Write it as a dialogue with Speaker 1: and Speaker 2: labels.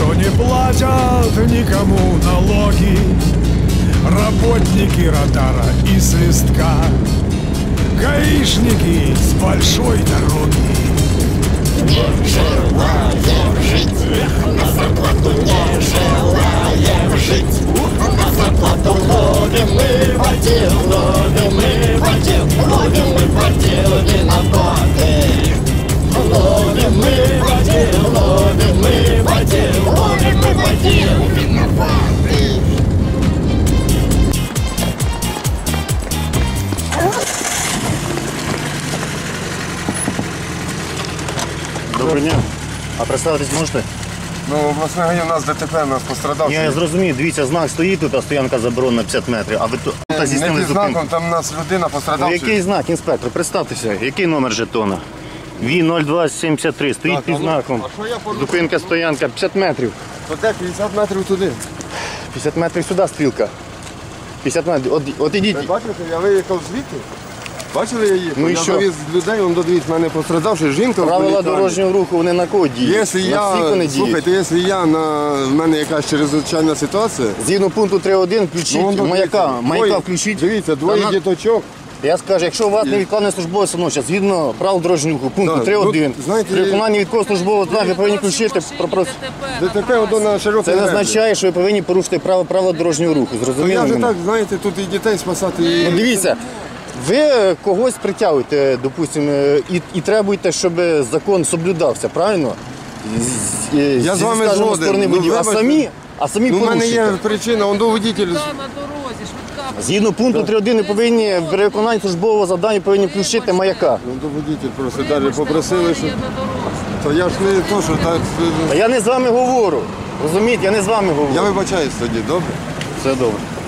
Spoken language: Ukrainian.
Speaker 1: что не платят никому налоги, работники радара и свистка, гаишники с большой дороги.
Speaker 2: Не желаем жить, на зарплату не желаем жить. На зарплату ловим мы в отдел, ловим мы в отдел, ловим мы в отдел виноваты. Ловим мы в отдел, ловим мы в отдел, ловим мы в отдел виноваты.
Speaker 3: Доброго дня. А представитись можете?
Speaker 4: Ну, обласний район у нас ДТП, у нас пострадавший.
Speaker 3: Я зрозумів, дивіться, знак стоїть тут, а стоянка заборонена 50 метрів, а ви тут
Speaker 4: Не
Speaker 3: здійснили
Speaker 4: під
Speaker 3: зупинку.
Speaker 4: знаком, там у нас людина
Speaker 3: Ну,
Speaker 4: пострадавший.
Speaker 3: який знак, інспектор? Представтеся, який номер жетона? ВІ-0273, стоїть
Speaker 4: Так,
Speaker 3: під
Speaker 4: а ну,
Speaker 3: знаком.
Speaker 4: а що я порушив?
Speaker 3: Зупинка, стоянка, 50 метрів.
Speaker 4: То де 50 метрів туди?
Speaker 3: 50 метрів сюди стрілка. 50 метрів, от ідіть.
Speaker 4: Ви бачите, я виїхав звідти. Бачили, я їхав?
Speaker 3: Ну і
Speaker 4: я
Speaker 3: що?
Speaker 4: довіз людей, он додивіться, в мене пострадавший, жінка в
Speaker 3: Правила
Speaker 4: політані.
Speaker 3: дорожнього руху, вони на кого діють?
Speaker 4: Якщо
Speaker 3: На
Speaker 4: я,
Speaker 3: всіх вони діють.
Speaker 4: слухайте, якщо в мене якась чрезвичайна ситуація,
Speaker 3: Згідно пункту 3.1 включіть
Speaker 4: он
Speaker 3: маяка.
Speaker 4: дивіться,
Speaker 3: Маяка
Speaker 4: двоє-
Speaker 3: включіть.
Speaker 4: Дивіться, двоє
Speaker 3: Та на-
Speaker 4: діточок.
Speaker 3: Я скажу, якщо у вас невідкладне службове становище, згідно правил дорожнього руху, пункту
Speaker 4: Так,
Speaker 3: 3.1,
Speaker 4: ну, знаєте,
Speaker 3: при виконанні відкого службового знаку ви повинні включити.
Speaker 4: ДТП одно на широкій
Speaker 3: Це не означає, що ви повинні порушити правила дорожнього руху.
Speaker 4: То
Speaker 3: Зрозуміли
Speaker 4: я вже
Speaker 3: мене?
Speaker 4: так, знаєте, тут і дітей спасати. І...
Speaker 3: Ну, дивіться, ви когось притягуєте, допустимо, і требуєте, щоб закон соблюдався, правильно?
Speaker 4: Я з вами
Speaker 3: скажімо,
Speaker 4: згоден.
Speaker 3: сторони
Speaker 4: Ну,
Speaker 3: водіїв.
Speaker 4: вибачте.
Speaker 3: А самі
Speaker 4: Ну, в мене є
Speaker 3: порушуєте.
Speaker 4: причина, он до водитель.
Speaker 5: На дорозі, швидка.
Speaker 3: Згідно пункту 3.1 ви повинні при виконанні службового завдання повинні включити маяка.
Speaker 4: Ну, до водитель просто далі попросили, що...
Speaker 5: Я на дорозі.
Speaker 4: То я ж не то, що так...
Speaker 3: Та я не з вами говорю. Розумієте, я не з вами говорю.
Speaker 4: Я вибачаюсь тоді, добре?
Speaker 3: Все добре.